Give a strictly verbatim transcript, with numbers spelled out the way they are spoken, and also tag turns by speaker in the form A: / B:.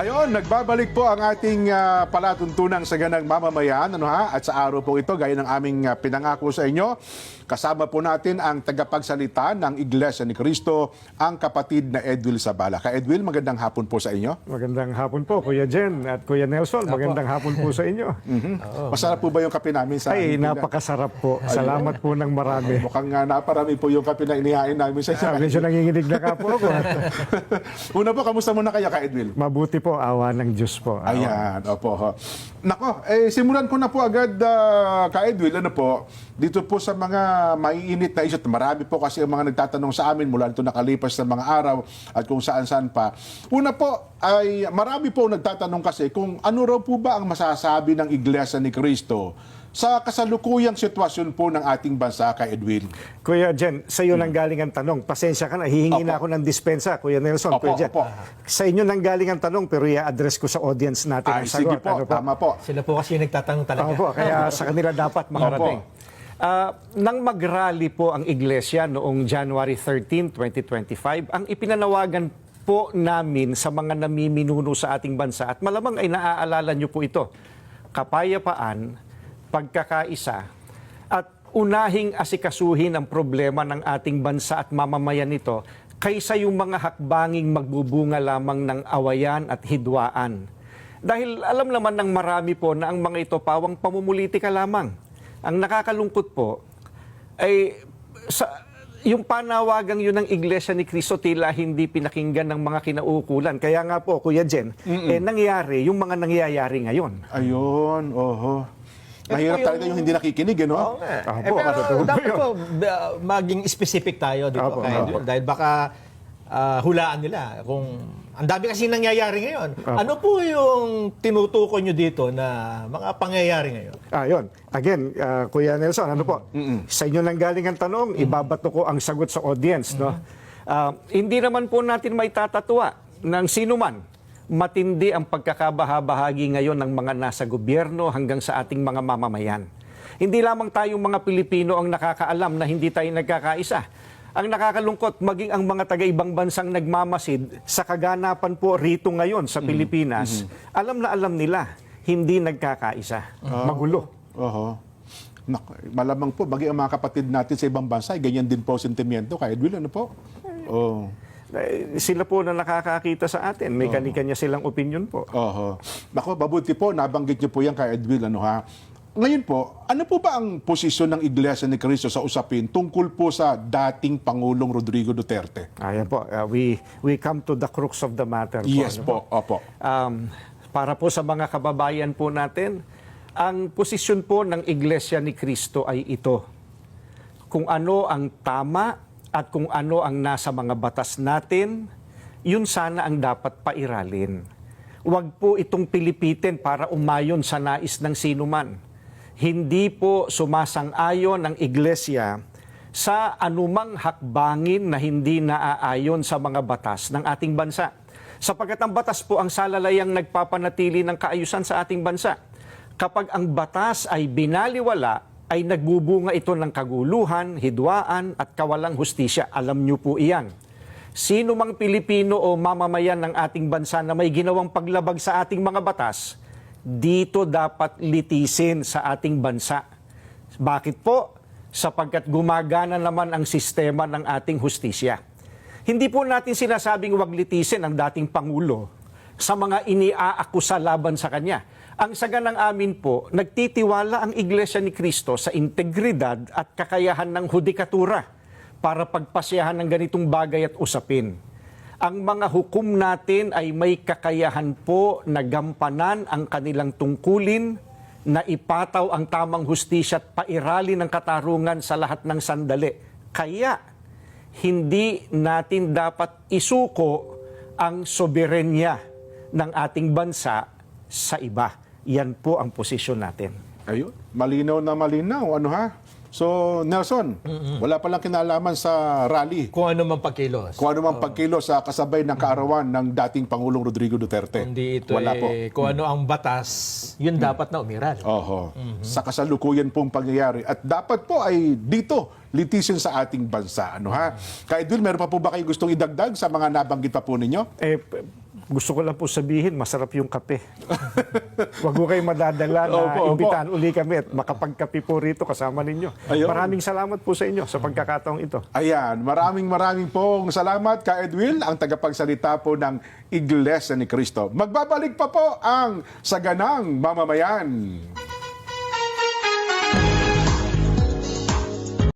A: Ayon, nagbabalik po ang ating uh, palatuntunang saganang mamamayan, ano ha? At sa araw po ito, gaya ng aming uh, pinangako sa inyo, kasama po natin ang tagapagsalita ng Iglesia ni Cristo, ang kapatid na Edwil Zabala. Ka Edwil, magandang hapon po sa inyo.
B: Magandang hapon po, Kuya Jen at Kuya Nelson. Magandang hapon po sa inyo.
A: Mm-hmm. Oh, Masarap po ba yung kape namin sa
B: Ay, napakasarap po. Salamat po ng marami.
A: Mukhang uh, naparami po yung kape na inihain namin sa inyo.
B: Ah, medyo nanginginig na ka po ako.
A: Una po, kamusta muna kayo, Ka Edwil?
B: Mabuti po, awa ng Diyos po. Awa.
A: Ayan, opo. Ho. Nako, eh, simulan ko na po agad, uh, Ka Edwil, ano po, dito po sa mga maiinit na isot. Marami po kasi ang mga nagtatanong sa amin mula nito nakalipas na mga araw at kung saan-saan pa. Una po, ay marami po nagtatanong kasi kung ano raw po ba ang masasabi ng Iglesia ni Cristo sa kasalukuyang sitwasyon po ng ating bansa, Ka Edwin.
B: Kuya Jen, sa iyo nang galing ang tanong. Pasensya ka na, hihingi na ako ng dispensa, Kuya Nelson.
A: Opo,
B: Kuya Jen.
A: opo.
B: Sa inyo nang galing ang tanong, pero i-address ko sa audience natin
A: Ay,
B: ang sagot.
A: sige po,
B: Ano po?
A: tama po.
C: Sila po kasi yung nagtatanong talaga.
B: Opo, kaya sa kanila dapat makarating. Uh, nang mag-rally po ang Iglesia noong January thirteenth, twenty twenty-five, ang ipinanawagan po namin sa mga namiminuno sa ating bansa, at malamang ay naaalala niyo po ito, kapayapaan, pagkakaisa, at unahing asikasuhin ang problema ng ating bansa at mamamayan nito kaysa yung mga hakbanging magbubunga lamang ng awayan at hidwaan. Dahil alam naman ng marami po na ang mga ito pawang pamumulitika lamang. Ang nakakalungkot po ay sa, yung panawagang yun ng Iglesia ni Cristo tila hindi pinakinggan ng mga kinauukulan. Kaya nga po, Kuya Jen, eh, nangyari yung mga nangyayari ngayon.
A: Ayun, oho. Mahirap
C: yung-
A: talaga yung hindi nakikinig, eh, no?
C: Oo nga.
B: Opo,
C: Eh, pero
B: totoo po
C: dapat
B: yun.
C: po uh, maging specific tayo dito.
B: Opo,
C: Kaya,
B: opo.
C: dahil baka uh, hulaan nila kung ang dami kasi nangyayari ngayon. Ano po yung tinutukoy nyo dito na mga pangyayari ngayon?
B: Ah, yun. Again, uh, Kuya Nelson, ano po? Sa inyo nang galing ang tanong, ibabato ko ang sagot sa audience. No? Ah, hindi naman po natin may tatatwa ng sino man. Matindi ang pagkakabahabahagi ngayon ng mga nasa gobyerno hanggang sa ating mga mamamayan. Hindi lamang tayong mga Pilipino ang nakakaalam na hindi tayo nagkakaisa. Ang nakakalungkot, maging ang mga taga-ibang bansang nagmamasid sa kaganapan po rito ngayon sa Pilipinas, alam na alam nila, hindi nagkakaisa. Magulo.
A: Oho. Nak, malamang po, maging ang mga kapatid natin sa ibang bansa, ay ganyan din po sentimiento. Ka Edwin, ano po? Oh.
B: Eh, Sila po na nakakakita sa atin, may kanya-kanya silang opinion po.
A: Oho. Nako, mabuti po, nabanggit niyo po yan, Ka Edwin, ano ha? Ngayon po, ano po ba ang posisyon ng Iglesia ni Cristo sa usapin tungkol po sa dating Pangulong Rodrigo Duterte?
B: Ayan po, uh, we, we come to the crux of the matter. Po,
A: Yes
B: ano
A: po, opo.
B: Um, para po sa mga kababayan po natin, ang posisyon po ng Iglesia ni Cristo ay ito. Kung ano ang tama at kung ano ang nasa mga batas natin, yun sana ang dapat pairalin. Huwag po itong pilipitin para umayon sa nais ng sinuman. Hindi po sumasang-ayon ang Iglesia sa anumang hakbangin na hindi naaayon sa mga batas ng ating bansa. Sapagkat ang batas po ang salalayang nagpapanatili ng kaayusan sa ating bansa. Kapag ang batas ay binaliwala, ay nagbubunga ito ng kaguluhan, hidwaan at kawalang hustisya. Alam niyo po iyan. Sino mang Pilipino o mamamayan ng ating bansa na may ginawang paglabag sa ating mga batas, dito dapat litisin sa ating bansa. Bakit po? Sapagkat gumagana naman ang sistema ng ating hustisya. Hindi po natin sinasabing wag litisin ang dating Pangulo sa mga iniaakusa laban sa kanya. Ang saganang amin po, nagtitiwala ang Iglesia ni Cristo sa integridad at kakayahan ng hudikatura para pagpasyahan ng ganitong bagay at usapin. Ang mga hukom natin ay may kakayahan po na gampanan ang kanilang tungkulin, na ipataw ang tamang hustisya at pairali ng katarungan sa lahat ng sandali. Kaya, hindi natin dapat isuko ang soberenya ng ating bansa sa iba. Yan po ang posisyon natin.
A: Ayun, malinaw na malinaw, ano ha? So, Nelson, wala palang kinalaman sa rally.
C: Kung ano man pagkilos.
A: Kung ano mang pagkilos sa kasabay ng kaarawan ng dating Pangulong Rodrigo Duterte.
C: Hindi ito
A: Wala po.
C: eh, kung ano ang batas, yun dapat na umiral.
A: Oho. Sa kasalukuyan pong pangyayari. At dapat po ay dito, litisin sa ating bansa. Ano ha? Kaya Edwin, meron pa po ba kayo gustong idagdag sa mga nabanggit pa po ninyo?
B: Eh, p- gusto ko lang po sabihin, masarap yung kape. Huwag ko kayong madadala na
A: Opo, opo.
B: imbitahan uli kami at makapagkape po rito kasama ninyo.
A: Ayun.
B: Maraming salamat po sa inyo sa pagkakataong ito.
A: Ayan, maraming maraming pong salamat ka Edwin, ang tagapagsalita po ng Iglesia ni Cristo. Magbabalik pa po ang Saganang Mamamayan.